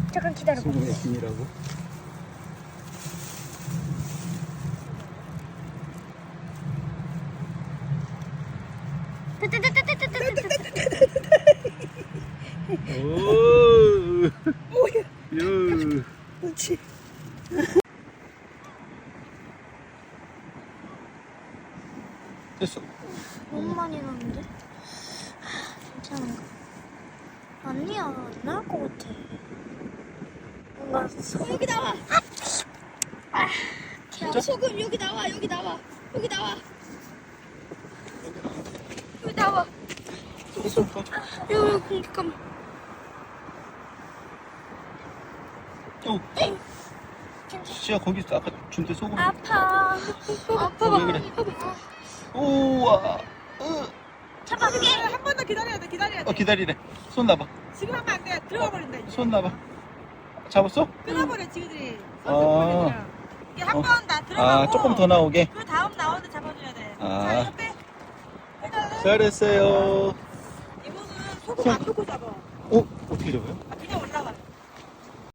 잠깐 기다려봐. 소금의 김이라고. 오. 뭐야? 유. 그렇지. 됐어. 너무 많이 나는데? 괜찮은가? 아니야, 안 나올 것 같아. 뭔가 여기 나와. 진짜? 소금 여기 나와. 여기 나와. 여기 나와. 여기 나와. 됐어. 여기 공기감. 어. 시야 거기 아까 준대 소금. 아파. 아파봐. 왜 그래? 우와. 잡아, 그게. 한 번 더 기다려야 돼. 기다려야 돼. 기다리래. 손 놔봐. 지금 하면 안 돼. 들어가 버린다. 이제. 손 놔봐. 잡았어? 끊어버려 지그들이. 아. 이게 한 번 다 들어가고. 아, 조금 더 나오게. 그 다음 나오는데 잡아줘야 돼. 아. 자, 이거 빼. 해달래. 잘했어요. 이모는 소금 안 넣고 잡아. 어? 어떻게 잡아요? 그냥